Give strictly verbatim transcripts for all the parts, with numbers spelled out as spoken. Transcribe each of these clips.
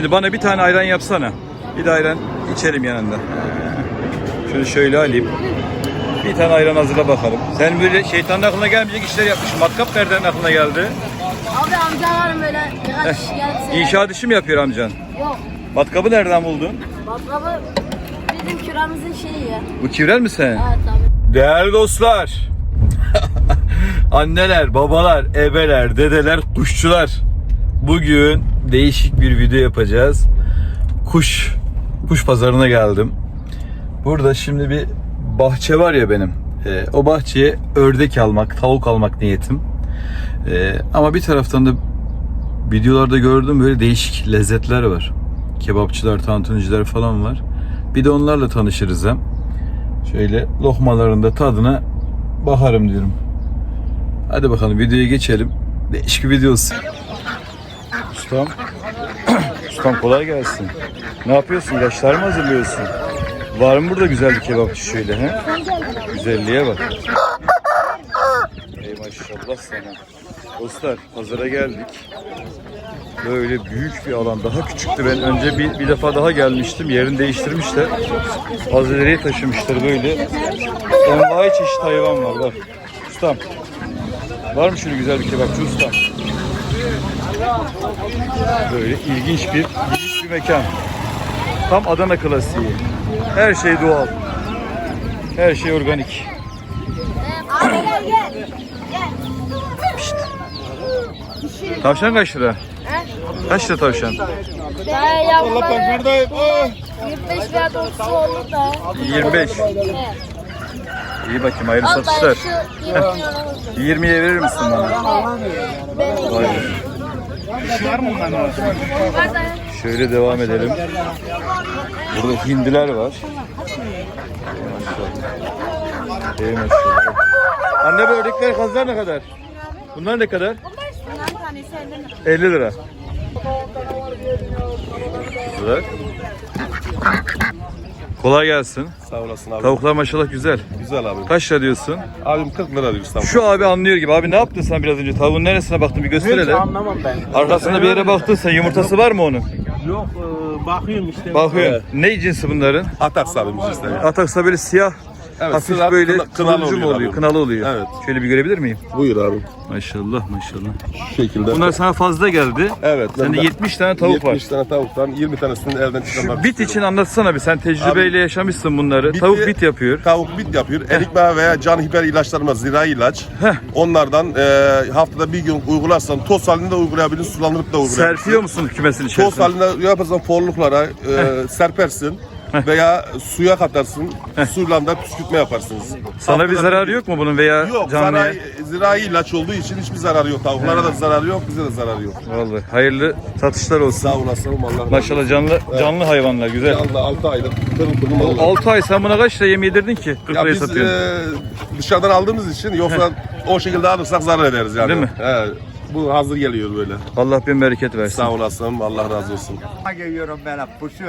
Bana bir tane ayran yapsana. Bir de ayran içelim yanında. Şunu şöyle alayım. Bir tane ayran hazırla bakalım. Sen böyle şeytanın aklına gelmeyecek işler yapmışsın. Matkap nereden aklına geldi? Abi amcalarım böyle birkaç kişi geldi. İnşaat işi mi yapıyor amcan? Yok. Matkabı nereden buldun? Matkabı bizim kiramızın şeyi ya. Bu Kivrel mi sen? Evet abi. Değerli dostlar. Anneler, babalar, ebeler, dedeler, kuşçular. Bugün değişik bir video yapacağız. Kuş, kuş pazarına geldim. Burada şimdi bir bahçe var ya benim. E, o bahçeye ördek almak, tavuk almak niyetim. E, ama bir taraftan da videolarda gördüm böyle değişik lezzetler var. Kebapçılar, tantuniciler falan var. Bir de onlarla tanışırız hem. Şöyle lokmalarında tadına bakarım diyorum. Hadi bakalım videoya geçelim. Değişik bir video olsun. Ustam. Ustam kolay gelsin. Ne yapıyorsun? İlaçlar mı hazırlıyorsun? Var mı burada güzel bir kebapçı şöyle he? Güzelliğe bak. Ey maşallah sana. Dostlar pazara geldik. Böyle büyük bir alan. Daha küçüktü. Ben önce bir, bir defa daha gelmiştim. Yerini değiştirmişler. Az ileriye taşımışlar böyle. Envai çeşit hayvan var bak. Ustam. Var mı şöyle güzel bir kebapçı ustam? Böyle ilginç bir, ilginç bir mekan. Tam Adana klasiği. Her şey doğal. Her şey organik. Abi gel gel. Pişt. Tavşan kaç lira? Kaç lira tavşan? Ben yavruları yirmi beş veya otuz olur da. yirmi beş. Evet. İyi bakayım hayırlı Al satışlar. da şu yirmi milyon yirmiye verir misin bana? Vay be. var da. Şöyle devam edelim. Burada hindiler var. Ey maşallah. Anne bu ördekler kazlar ne kadar? Bunlar ne kadar? elli lira. Güzel. Kolay gelsin. Sağ olasın abi. Tavuklar maşallah güzel. Güzel abi. Kaç lira diyorsun? Abim kırk lira diyor İstanbul. Şu abi anlıyor gibi. Abi ne yaptın sen biraz önce? Tavuğun neresine baktın bir göster hele. Anlamam ben. Arkasında bir yere baktın sen. Yumurtası var mı onun? Yok e, bakıyorum işte. Bakıyorum. Ne cinsi bunların? Ataks abimiz işte. Ataksa böyle siyah. Evet, Hafif sıra- böyle kına- kınalı turuncu mu oluyor oluyor? abi. Kınalı oluyor. Evet. Şöyle bir görebilir miyim? Buyur abi. Maşallah maşallah. Şu şekilde. Bunlar sana fazla geldi. Evet. Sende bende yetmiş tane tavuk var. yetmiş tane tavuktan yirmi tanesini elden çıkarmak Şu bit için anlatsana bir. Sen tecrübeyle yaşamışsın bunları. Biti- Tavuk bit yapıyor. Tavuk bit yapıyor. Erikme veya can hiper ilaçlarımız zirai ilaç. Heh. Onlardan e, haftada bir gün uygularsan toz halinde uygulayabilirsin, sulandırıp da uygulayabilirsin. Serpiyor musun kümesin Toz içerisine? halinde yaparsan forluklara e, serpersin. Veya suya katarsın, suyla da püskürtme yaparsınız. Sana bir Haftada zararı gün- yok mu bunun veya Yok, canlıya? zirai, zirai ilaç olduğu için hiçbir zararı yok. Tavuklara da zararı yok, bize de zararı yok. Vallahi hayırlı satışlar olsun. Sağ olasın, Allah razı olsun. Maşallah canlı canlı hayvanlar güzel. Canlı altı aylık pırıl pırıl mallar. altı ay sen buna kaç lira yem yedirdin ki? kırk Ya liraya biz satıyorsun. e, dışarıdan aldığımız için yoksa o şekilde alırsak zarar ederiz yani. Değil mi? He, bu hazır geliyor böyle. Allah bin bereket versin. Sağ olasın, Allah razı olsun. Geliyorum ben kuşu.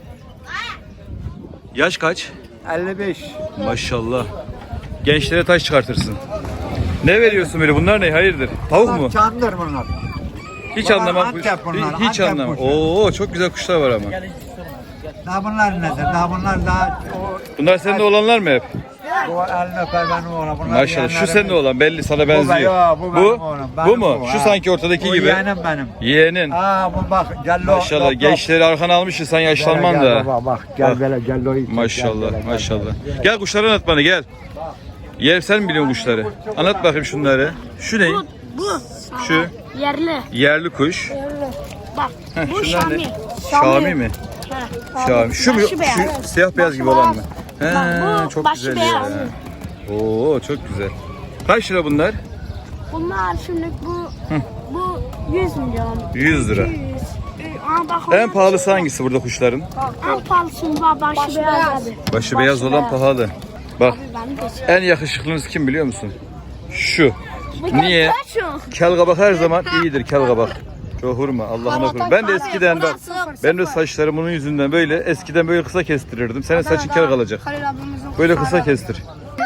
Yaş kaç? elli beş. Maşallah. Gençlere taş çıkartırsın. Ne veriyorsun böyle? Bunlar ne? Hayırdır? Tavuk mu? Çandır bunlar. Hiç Bunlar anlamam. Antep bunlar, Hiç, hiç Antep anlamam. kuşu. Oo çok güzel kuşlar var ama. Daha bunlar nedir? Daha bunlar daha o, Bunlar senin de olanlar mı hep? bu elini öper benim oğlan. Bunlar Maşallah. Şu yeğenlerim. senin de olan belli sana Bu, benziyor. yo, bu, benim Bu? oğlum, Bu benim mu? bu, Şu ha. sanki ortadaki Bu gibi. yeğenim benim. Yeğenin. Aa bu bak gel lo. Maşallah. lo, lo. Gençleri arkana almışsın sen yaşlanman Gel, da. gel baba, bak gel Bak. böyle gel lo. gel, Maşallah, gel, gel, maşallah. Gel kuşları anlat bana gel. Yer sen mi biliyorsun kuşları? Anlat bakayım şunları. Şu ne? Bu. Şu Yerli. yerli kuş. Yerli. Bak. Heh, Bu şunlar Şami. ne? Şami mi? He, Şami. Şu mu? Başı beyaz. Şu siyah beyaz Başı gibi olan mı? beyaz. He, Bak bu çok başı güzel beyaz. ya. Oo, çok güzel. Kaç lira bunlar? Bunlar şimdi bu bu yüz milyon. yüz lira. yüz. Aa, bak En onlar- pahalısı hangisi burada kuşların? En pahalısı bak başı, beyaz abi. Başı beyaz olan beyaz. pahalı. Bak Abi ben de şey- en yakışıklınız kim biliyor musun? Şu. Bu Niye? kaç şu? Kel kabak her zaman iyidir kel kabak. Çok hurma Allah'ına kurban. Ben de eskiden bak ben de saçlarım bunun yüzünden böyle eskiden böyle kısa kestirirdim. Senin saçın kel kalacak. Böyle kısa kestir.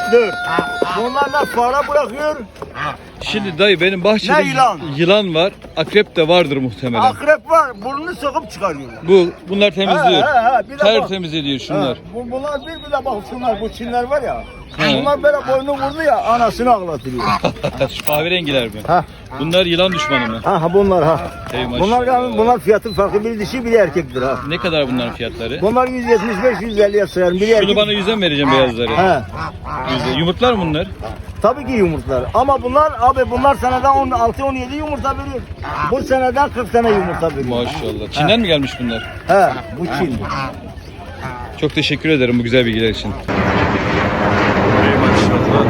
Dur. Bunlar da fare bırakıyor. Şimdi dayı benim bahçede Ne yılan? yılan var. Akrep de vardır muhtemelen. Akrep var. Burnunu sokup çıkarıyor. Bu bunlar temizliyor. He, he, he, bir de bak. Tertemiz ediyor şunlar. Ha, bu, bunlar bir bir de bak şunlar bu Çinler var ya. He. Bunlar böyle boynu vurdu ya anasını ağlatıyor. Şu kahverengiler mi? Ha. Bunlar yılan düşmanı mı? Ha ha bunlar ha. Ey maşallah. Bunlar yani bunlar fiyatı farklı, biri dişi biri erkektir ha. Ne kadar bunların fiyatları? Bunlar yüz yetmiş beş yüz elliye sayarım. Biri Şunu erkek. bana yüzden vereceğim beyazları. He. Yüze. Yumurtlar mı bunlar? Tabii ki yumurtlar. Ama bunlar abi bunlar seneden on altı on yedi yumurta veriyor. Bu seneden kırk tane yumurta veriyor. Maşallah. Çin'den mi gelmiş bunlar? He, bu Çin. Çok teşekkür ederim bu güzel bilgiler için. Ey maşallah.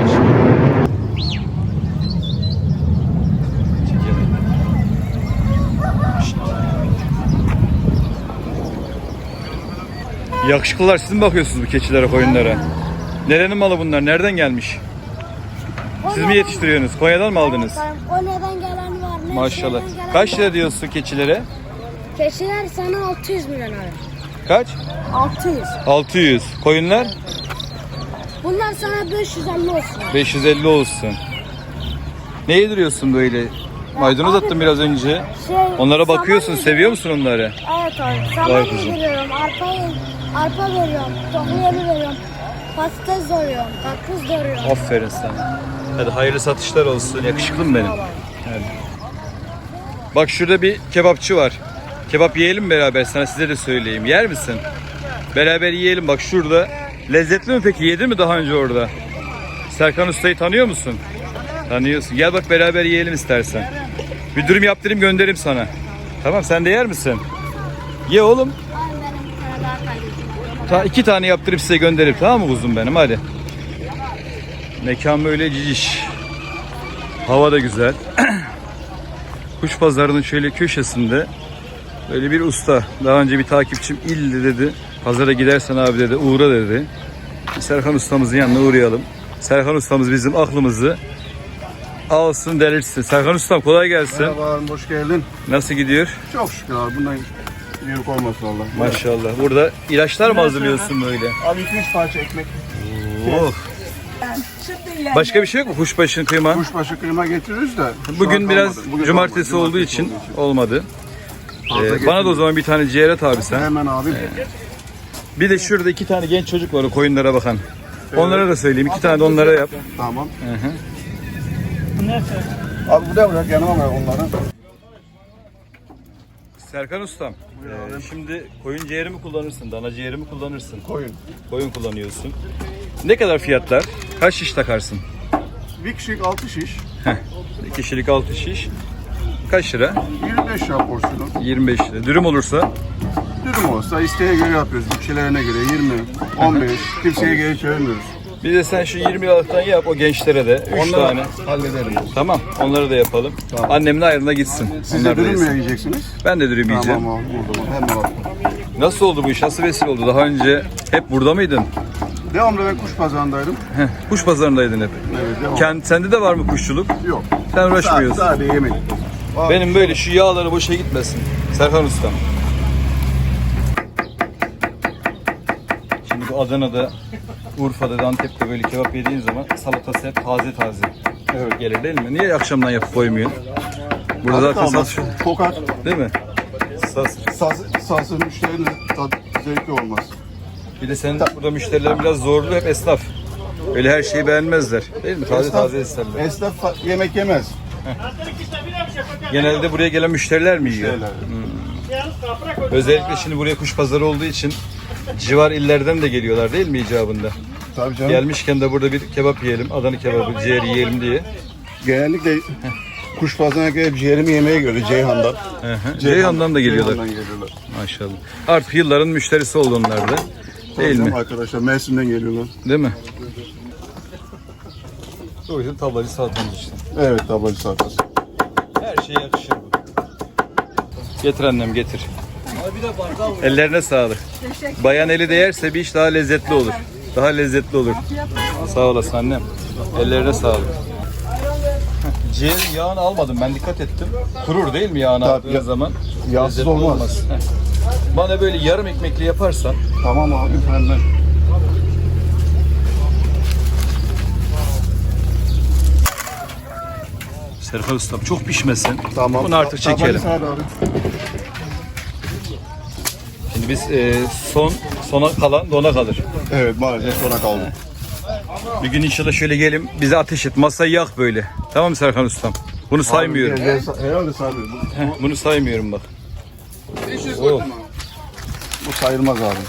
Yakışıklılar siz mi bakıyorsunuz bu keçilere, koyunlara? Nerenin malı bunlar? Nereden gelmiş? Siz mi yetiştiriyorsunuz? Konya'dan mı aldınız? Konya'dan gelen var. Mersin'den Maşallah. gelen Kaç var. lira diyorsun keçilere? Keçiler sana altı yüz milyon abi. Kaç? altı yüz. altı yüz. Koyunlar? Bunlar sana beş yüz elli olsun. beş yüz elli olsun. Ne yediriyorsun böyle? Maydanoz Abi, attım biraz önce. Şey, Onlara bakıyorsun, saman seviyor musun onları? Evet abi. Vay Saman kızım. yediriyorum, arpa, arpa veriyorum, tohum yemi veriyorum, patates doğruyorum, karpuz doğruyorum. Aferin sana. Hadi hayırlı satışlar olsun. Yakışıklım benim. Hadi. Bak şurada bir kebapçı var. Kebap yiyelim beraber, sana size de söyleyeyim. Yer misin? Beraber yiyelim bak şurada. Lezzetli mi peki? Yedin mi daha önce orada? Serkan Usta'yı tanıyor musun? Tanıyorsun. Gel bak beraber yiyelim istersen. Bir dürüm yaptırayım göndereyim sana. Tamam, sen de yer misin? Ye oğlum. Abi benim bir tane daha kaydettim. Ta iki tane yaptırıp size göndereyim, tamam mı kuzum benim, hadi. Mekan böyle ciciş. Hava da güzel. Kuş pazarının şöyle köşesinde böyle bir usta. Daha önce bir takipçim illi dedi. Pazara gidersen abi dedi, uğra dedi. Serkan ustamızın yanına uğrayalım. Serkan ustamız bizim aklımızı alsın delirsin. Serkan ustam kolay gelsin. Merhaba, hoş geldin. Nasıl gidiyor? Çok şükür abi, bundan büyük olmasın Allah. Maşallah. Burada ilaçlar mı hazırlıyorsun böyle? Abi iki üç parça ekmek. Oh. Başka bir şey yok mu? Kuşbaşı kıyma. Kuşbaşı kıyma getiririz de. şu Bugün an biraz kalmadı. Bugün cumartesi kalmadı, olduğu için olduğu için. olmadı. Fazla Ee, bana da o zaman bir tane ciğer et abi sen. Hemen abi. Bir de şurada iki tane genç çocuk var o koyunlara bakan. Onlara da söyleyeyim. İki tane de onlara yap. Tamam. Hı hı. Abi bu da bırak, yanıma bırak onları. Serkan ustam. ee, şimdi koyun ciğeri mi kullanırsın? Dana ciğeri mi kullanırsın? Koyun. Koyun kullanıyorsun. Ne kadar fiyatlar? Kaç şiş takarsın? Bir kişilik altı şiş. Bir kişilik altı şiş. Kaç lira? yirmi beş lira porsiyonu. yirmi beş lira. Dürüm olursa Dürüm olsa isteğe göre yapıyoruz. Bütçelerine göre yirmi, on beş. Kimseye geri çevirmiyoruz. bir de sen şu yirmi liralıktan yap o gençlere de. üç tane. Hallederim. Tamam, onları da yapalım. Annemin ayrılığına gitsin. Siz de Onlar da dürüm mü yesin. yiyeceksiniz? Ben de dürüm yiyeceğim. Tamam abi, o zaman hemen abi. Nasıl oldu bu iş? Nasıl vesile oldu? Daha önce hep burada mıydın? Devamlı ben kuş pazarındaydım. Heh, kuş pazarındaydın hep. Evet, devam. Kend, sende de var mı kuşçuluk? Yok. Sen uğraşmıyorsun. Sadece yemek. Benim böyle şu yağları boşa gitmesin. Serkan Ustam. Şimdi bu Adana'da, Urfa'da, Antep'te böyle kebap yediğin zaman salatası hep taze taze. Evet. Gelir değil mi? Niye akşamdan yapıp koymuyorsun? Burada zaten Kalmaz. satış Kokar. değil mi? Sas. Saz, sazın müşterinin tat zevkli olmaz. Bir de senin burada müşterilerin biraz zorlu, hep esnaf. Öyle her şeyi beğenmezler. Değil mi? Taze Esnaf- taze isterler. Esnaf fa- yemek yemez. Genelde buraya gelen müşteriler mi yiyor? Şeyler. Özellikle şimdi buraya kuş pazarı olduğu için civar illerden de geliyorlar değil mi icabında? Tabii canım. Gelmişken de burada bir kebap yiyelim, Adana kebabı, ciğer yiyelim diye. Genellikle kuş pazarına gelip ciğerimi yemeye göre Ceyhan'dan. Hı hı. Ceyhan'dan da geliyorlar. Ceyhan'dan geliyorlar. Maşallah. Artık yılların müşterisi oldu onlar da. Değil Tabii mi? arkadaşlar Mersin'den geliyorlar. Değil mi? O yüzden tablacı salatamız işte. Evet, tablacı salatası. Her şeye yakışır bu. Getir annem getir. Ellerine sağlık. Bayan eli değerse bir iş daha lezzetli olur. Daha lezzetli olur. Sağ olasın annem. Ellerine sağlık. Ciğerin yağını almadım, ben dikkat ettim. Kurur değil mi yağını Tabii, aldığın ya- zaman? yağsız Lezzetli olmaz. Heh. Bana böyle yarım ekmekli yaparsan Tamam abi, hemen. Serkan Ustam çok pişmesin. Tamam. Bunu artık Tamam, çekelim. hadi abi. Şimdi biz e, son sona kalan dona kalır. Evet maalesef sona kaldı. Bir gün inşallah şöyle gelin bize ateş et. Masayı yak böyle. Tamam mı Serkan Ustam? Bunu saymıyorum. Abi, gel, gel, herhalde saymıyorum. Bu, Heh, bunu saymıyorum bak. Oh. bu sayılmaz abi.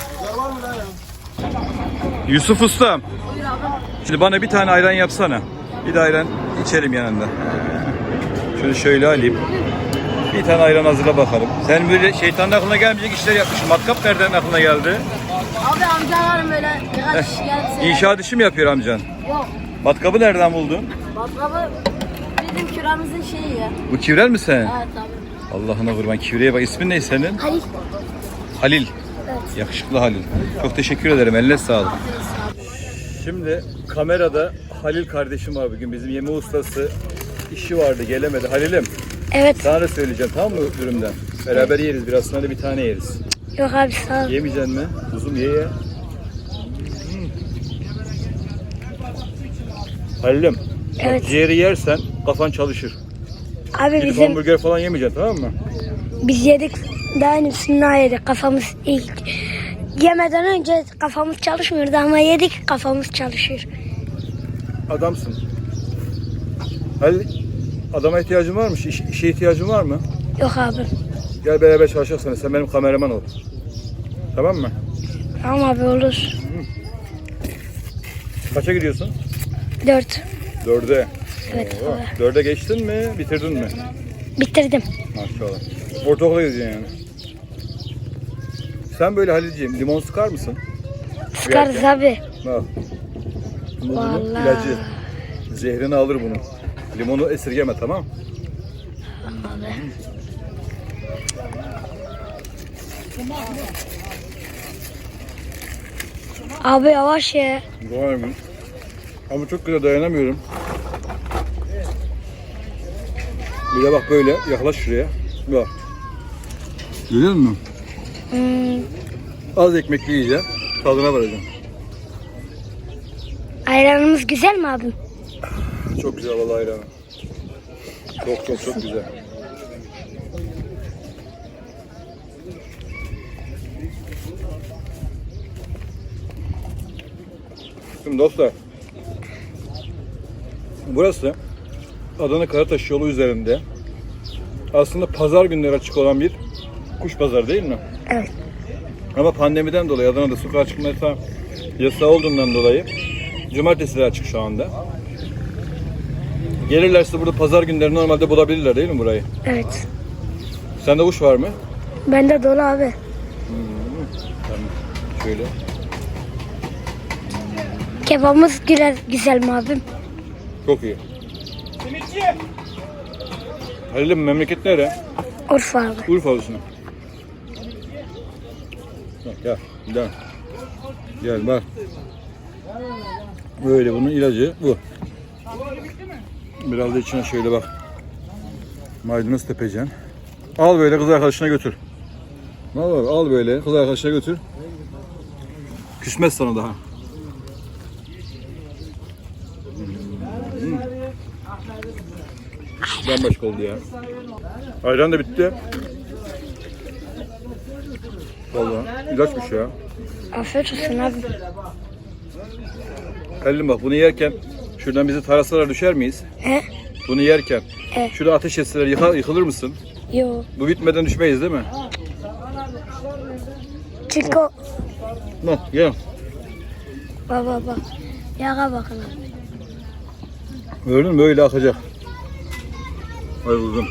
Yusuf Ustam. Şimdi bana bir tane ayran yapsana. Bir de ayran içelim yanında. Şunu şöyle alayım. Bir tane ayran hazırla bakalım. Sen böyle şeytanın aklına gelmeyecek işler yapmışsın. Matkap nereden aklına geldi? Abi amcalarım böyle birkaç kişi geldi. İnşaat işi mi yapıyor amcan? Yok. Matkabı nereden buldun? Baklava bizim küramızın şeyi ya. Bu Kivrel mi sen? Evet abi. Allah'ına kurban, Kivreye bak. İsmin ne senin? Halil. Halil. Evet. Yakışıklı Halil. Çok teşekkür ederim. Eline sağlık. Şimdi kamerada Halil kardeşim var bugün. Bizim yeme ustası. İşi vardı, gelemedi. Halil'im Evet. sana da söyleyeceğim, tamam mı dürümden? Beraber yeriz biraz, sonra da bir tane yeriz. Yok abi sağ ol. Yemeyecek mi? Kuzum ye ye. Halil'im. bak, Evet. ciğeri yersen kafan çalışır. Abi Gidip bizim hamburger falan yemeyeceksin, tamam mı? biz yedik daha üstünden yedik. Kafamız ilk yemeden önce kafamız çalışmıyordu ama yedik kafamız çalışıyor. Adamsın. Halil, adama ihtiyacın var mı? İş, işe ihtiyacın var mı? Yok abi. Gel beraber çalışacaksın. Sen benim kameraman ol. Tamam mı? Tamam abi olur. Kaça gidiyorsun? Dört. Dörde. Evet Oo, abi. Dörde geçtin mi? Bitirdin mi? Bitirdim. Maşallah. Ortaokula gidiyorsun yani. Sen böyle Halilciğim limon sıkar mısın? Sıkarız abi. Al. Bu bunun Vallahi. ilacı. Zehrini alır bunu. Limonu esirgeme, tamam? Abi yavaş ye. Var mı? Ama çok güzel, dayanamıyorum. Bir de bak böyle yaklaş şuraya. Bak. Görüyor musun? Hmm, Az ekmekli yiyeceğim. Tadına varacağım. ayranımız güzel mi abim? Çok güzel vallahi ayranı. Çok çok çok güzel. Şimdi dostlar, burası Adana Karataş yolu üzerinde aslında pazar günleri açık olan bir kuş pazarı değil mi? Evet. Ama pandemiden dolayı Adana'da sokağa çıkma yasağı, yasağı olduğundan dolayı cumartesileri açık şu anda. Gelirlerse burada pazar günleri normalde bulabilirler değil mi burayı? Evet. Sende kuş var mı? Bende dolu abi. Tamam. Şöyle. Kebabımız güzel, güzel mi abim? Çok iyi. Halil'im memleket nere? Urfa abi. Urfalısın. Bak gel, gel. Gel bak. Böyle bunun ilacı bu. Biraz da içine şöyle bak. Maydanoz tepeceksin. Al böyle kız arkadaşına götür. Al, al böyle kız arkadaşına götür. Küsmez sana daha. Hmm. Bambaşka oldu ya. Ayran da bitti. Vallahi ilaçmış ya. Afiyet olsun abi. Halil'im bak bunu yerken şuradan bizi tarasalar düşer miyiz? He? Bunu yerken Evet. şurada ateş etseler yıkar, yıkılır mısın? Yo. Bu bitmeden düşmeyiz değil mi? Çünkü o... Bak gel. Baba bak. Yağa bakın abi. Gördün mü? Böyle akacak. Hay uzun.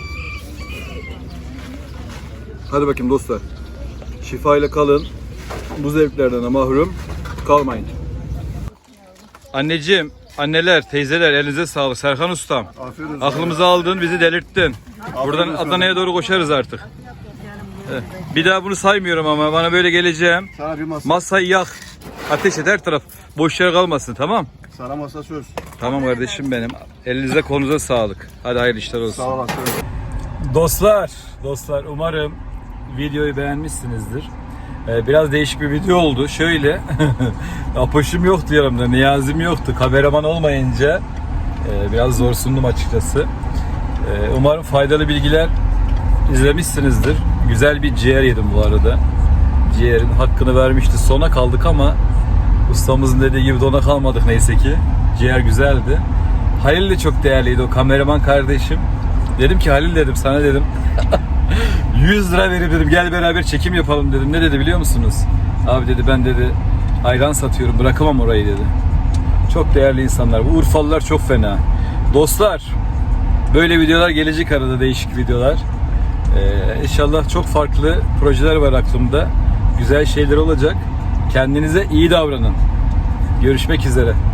Hadi bakayım dostlar. Şifayla kalın. Bu zevklerden de mahrum kalmayın. Anneciğim, anneler, teyzeler elinize sağlık. Serkan Ustam. Afiyet olsun. Aklımızı aldın, bizi delirttin. Buradan olsun. Adana'ya doğru koşarız artık. Evet. Bir daha bunu saymıyorum ama bana böyle geleceğim. Sana bir masa, Masayı yak. Ateş et her taraf. Boş yer kalmasın, tamam? sana masa söz. Tamam kardeşim benim. Elinize kolunuza sağlık. Hadi hayırlı işler olsun. Sağ olasın. Dostlar, dostlar umarım videoyu beğenmişsinizdir. Ee, biraz değişik bir video oldu. Şöyle, Apoş'um yoktu yanımda, Niyazim yoktu. Kameraman olmayınca e, biraz zorsundum açıkçası. Umarım faydalı bilgiler izlemişsinizdir. Güzel bir ciğer yedim bu arada. Ciğerin hakkını vermişti. Sona kaldık ama ustamızın dediği gibi dona kalmadık neyse ki. Ciğer güzeldi. Halil de çok değerliydi, o kameraman kardeşim. Dedim ki Halil dedim sana dedim yüz lira verip dedim gel beraber çekim yapalım dedim. Ne dedi biliyor musunuz? Abi dedi ben dedi ayran satıyorum, bırakamam orayı dedi. Çok değerli insanlar. Bu Urfalılar çok fena. Dostlar, böyle videolar gelecek arada, değişik videolar. Ee, inşallah çok farklı projeler var aklımda. Güzel şeyler olacak. Kendinize iyi davranın. Görüşmek üzere.